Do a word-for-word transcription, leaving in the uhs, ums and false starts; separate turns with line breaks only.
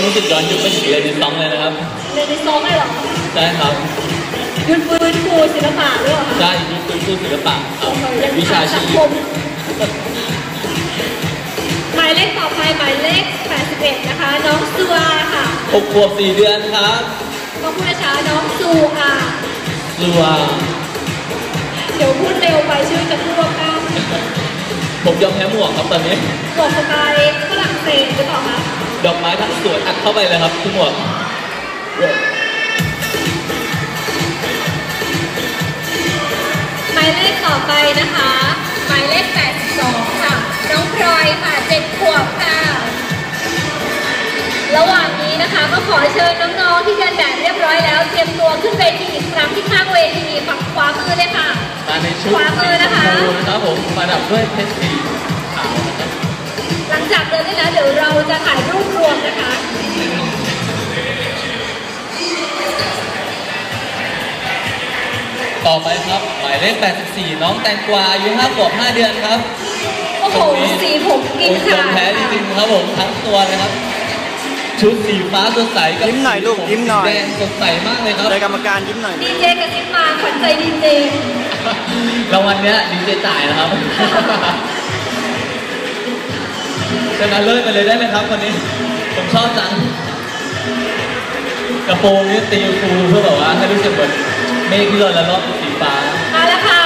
รู้สึกย้อนยุคไปถึงเรียนในซองเลยนะครับ
เรียนในซองเลยเหรอ
ใช่ครับ
ยุดฟื้นฟูศิลปะด้วยเหรอ
ใช่ยุดฟื้นฟูศิลปะครับวิชาชีพ
หมายเลขต่อไปหมายเลขแปดสิบเอ็ดนะคะน้องซูอาค่ะ
หกขวบสี่เดือนครับ
ก็พูดช้าน้องซูอา
ซูอา
เดี๋ยวพูดเร็วไปชื่อจะพูดว่าก้าว
ผมยอมแพ้หมวกครับตอนนี้
หมวกสไตล์ฝรั่งเศสหรือเปล่าคะ
ดอกไม้ทั้งสวนอัดเข้าไปเลยครับทุกหมวก
หมายเลขต่อไปนะคะหมายเลขแปดสิบสองค่ะน้องพลอยค่ะเจ็ดขวบค่ะระหว่างนี้นะคะก็ขอเชิญน้องๆที่เดินแบบเรียบร้อยแล้วเตรียมตัวขึ้นเวทีอีกครั้งที่ข้างเวทีฝั่งขวามือเลยค่ะ
มาในชุด
ขวามือนะคะ
นะครับผมประดับด้วยเพชรสีขาวนะครับ
หลังจากเดินได้แล้วเดี๋ยวเราจะถ่ายรูปรวมนะคะ
ต่อไปครับหมายเลขแปดสิบสี่น้องแตงกวาอายุห้าขวบห้าเดือนครับ
โอ้โหสีผมกินค่ะ
แพ้จริงๆครับผมทั้งตัวเลยครับชุดสีฟ้าสดใสกับ
ยิ้มหน่อยลูกยิ้มหน่อย
แดงสดใสมากเลยครับ
เลยกรรมการยิ้มหน่อย
ดีเจกับยิ้มมาขวัญใจดีเจ
รางวัลเนี้ยดีเจจ่ายนะครับชนะเลิศไปเลยได้ไหมครับคนนี้ผมชอบจังกระโปรงนี่ตีฟูเพื่อแบบว่าให้รู้สึกเหมือนเมฆที่ลอยละลอกสีฟ้า
มาแล้วค่ะ